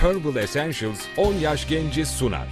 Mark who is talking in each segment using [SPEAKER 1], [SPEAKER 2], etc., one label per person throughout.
[SPEAKER 1] Herbal Essentials 10 yaş genci sunar.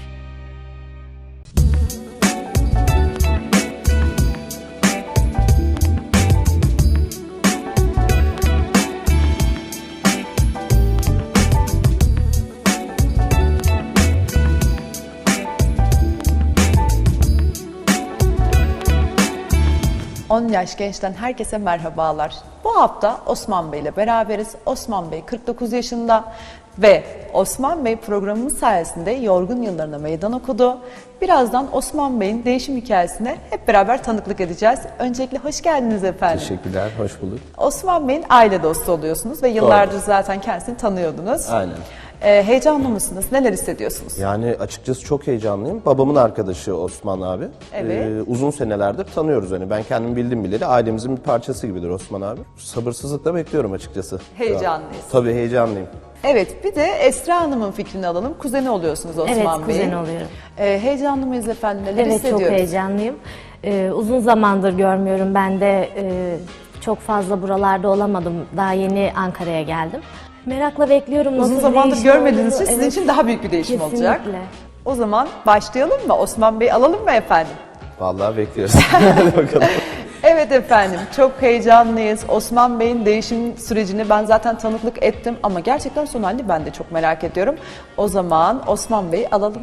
[SPEAKER 2] On Yaş Genç'ten herkese merhabalar. Bu hafta Osman Bey ile beraberiz. Osman Bey 49 yaşında ve Osman Bey programımız sayesinde yorgun yıllarına meydan okudu. Birazdan Osman Bey'in değişim hikayesine hep beraber tanıklık edeceğiz. Öncelikle hoş geldiniz efendim.
[SPEAKER 3] Teşekkürler, hoş bulduk.
[SPEAKER 2] Osman Bey'in aile dostu oluyorsunuz ve yıllardır zaten kendisini tanıyordunuz.
[SPEAKER 3] Aynen.
[SPEAKER 2] Heyecanlı mısınız? Neler hissediyorsunuz?
[SPEAKER 3] Yani açıkçası çok heyecanlıyım. Babamın arkadaşı Osman abi.
[SPEAKER 2] Evet.
[SPEAKER 3] Uzun senelerdir tanıyoruz hani. Ben kendim bildim bileli ailemizin bir parçası gibidir Osman abi. Sabırsızlıkla bekliyorum açıkçası.
[SPEAKER 2] Heyecanlıyız.
[SPEAKER 3] Tabii heyecanlıyım.
[SPEAKER 2] Evet, bir de Esra Hanım'ın fikrini alalım. Kuzeni oluyorsunuz Osman
[SPEAKER 4] Evet,
[SPEAKER 2] Bey'in.
[SPEAKER 4] kuzen oluyorum.
[SPEAKER 2] Heyecanlı mıyız efendim? Neler
[SPEAKER 4] Evet,
[SPEAKER 2] hissediyoruz?
[SPEAKER 4] çok heyecanlıyım. Uzun zamandır görmüyorum. Ben de çok fazla buralarda olamadım. Daha yeni Ankara'ya geldim. Merakla bekliyorum.
[SPEAKER 2] Uzun
[SPEAKER 4] nasıl bir
[SPEAKER 2] zamandır
[SPEAKER 4] değişim
[SPEAKER 2] görmediğiniz için
[SPEAKER 4] olduğunu.
[SPEAKER 2] sizin
[SPEAKER 4] Evet,
[SPEAKER 2] için daha büyük bir değişim
[SPEAKER 4] kesinlikle.
[SPEAKER 2] olacak. O zaman başlayalım mı? Osman Bey alalım mı efendim?
[SPEAKER 3] Vallahi bekliyoruz. Hadi bakalım.
[SPEAKER 2] Evet efendim, çok heyecanlıyız. Osman Bey'in değişim sürecini ben zaten tanıklık ettim ama gerçekten son halini ben de çok merak ediyorum. O zaman Osman Bey'i alalım.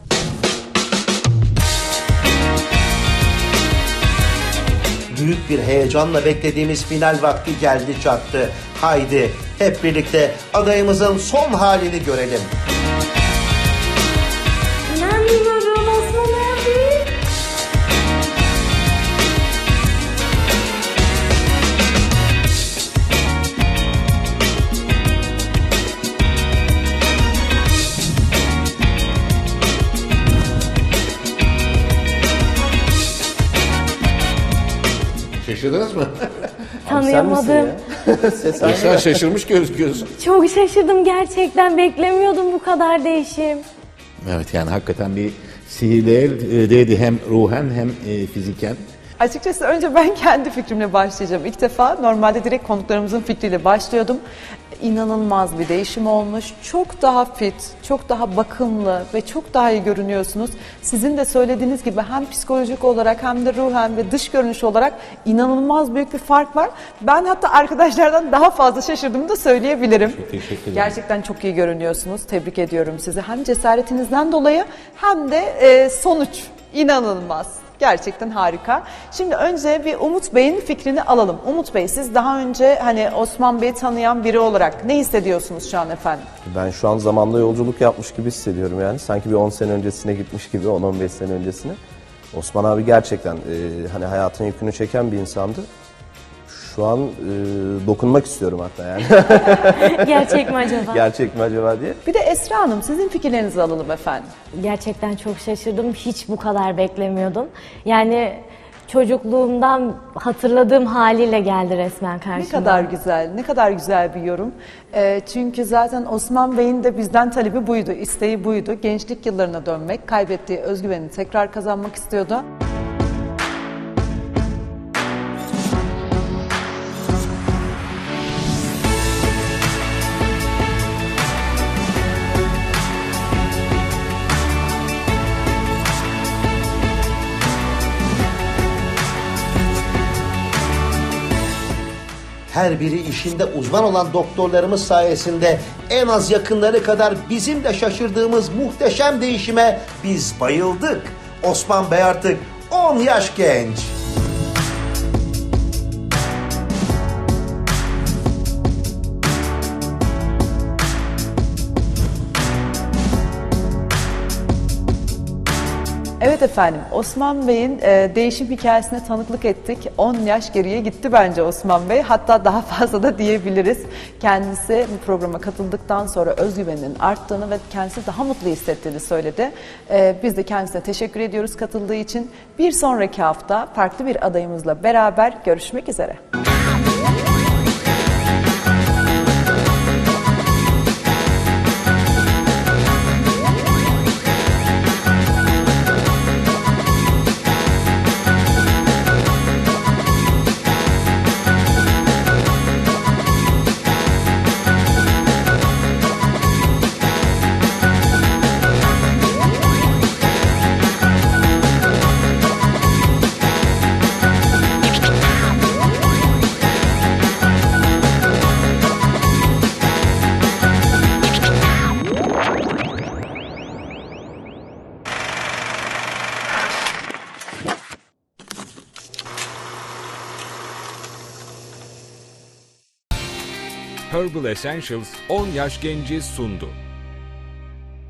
[SPEAKER 5] Büyük bir heyecanla beklediğimiz final vakti geldi çattı. Haydi hep birlikte adayımızın son halini görelim.
[SPEAKER 4] İnanmıyorum Osman abi.
[SPEAKER 6] Şaşırdınız mı?
[SPEAKER 4] Tanıyamadım.
[SPEAKER 3] Ses aynı.
[SPEAKER 6] Sen şaşırmış gözüküyorsun.
[SPEAKER 4] Çok şaşırdım gerçekten. Beklemiyordum bu kadar değişim.
[SPEAKER 6] Evet, yani hakikaten bir sihirleydi hem ruhen hem fiziken.
[SPEAKER 2] Açıkçası önce ben kendi fikrimle başlayacağım. İlk defa normalde direkt konuklarımızın fikriyle başlıyordum. İnanılmaz bir değişim olmuş. Çok daha fit, çok daha bakımlı ve çok daha iyi görünüyorsunuz. Sizin de söylediğiniz gibi hem psikolojik olarak hem de ruhen ve dış görünüş olarak inanılmaz büyük bir fark var. Ben hatta arkadaşlardan daha fazla şaşırdığımı da söyleyebilirim.
[SPEAKER 6] Çok teşekkür ederim.
[SPEAKER 2] Gerçekten çok iyi görünüyorsunuz. Tebrik ediyorum sizi. Hem cesaretinizden dolayı hem de sonuç inanılmaz. Gerçekten harika. Şimdi önce bir Umut Bey'in fikrini alalım. Umut Bey, siz daha önce hani Osman Bey'i tanıyan biri olarak ne hissediyorsunuz şu an efendim?
[SPEAKER 3] Ben şu an zamanda yolculuk yapmış gibi hissediyorum yani. Sanki bir 10 sene öncesine gitmiş gibi, 10-15 sene öncesine. Osman abi gerçekten hani hayatın yükünü çeken bir insandı. Şu an dokunmak istiyorum hatta yani.
[SPEAKER 4] Gerçek mi acaba?
[SPEAKER 3] Gerçek mi acaba diye.
[SPEAKER 2] Bir de Esra Hanım, sizin fikirlerinizi alalım efendim.
[SPEAKER 4] Gerçekten çok şaşırdım. Hiç bu kadar beklemiyordum. Yani çocukluğumdan hatırladığım haliyle geldi resmen karşıma.
[SPEAKER 2] Ne kadar güzel, ne kadar güzel bir yorum. Çünkü zaten Osman Bey'in de bizden talebi buydu, isteği buydu. Gençlik yıllarına dönmek, kaybettiği özgüvenini tekrar kazanmak istiyordu.
[SPEAKER 5] Her biri işinde uzman olan doktorlarımız sayesinde en az yakınları kadar bizim de şaşırdığımız muhteşem değişime biz bayıldık. Osman Bey artık 10 yaş genç.
[SPEAKER 2] Evet efendim, Osman Bey'in değişim hikayesine tanıklık ettik. 10 yaş geriye gitti bence Osman Bey. Hatta daha fazla da diyebiliriz. Kendisi bu programa katıldıktan sonra özgüveninin arttığını ve kendisi daha mutlu hissettiğini söyledi. Biz de kendisine teşekkür ediyoruz katıldığı için. Bir sonraki hafta farklı bir adayımızla beraber görüşmek üzere.
[SPEAKER 1] Herbal Essentials 10 Yaş Genci sundu.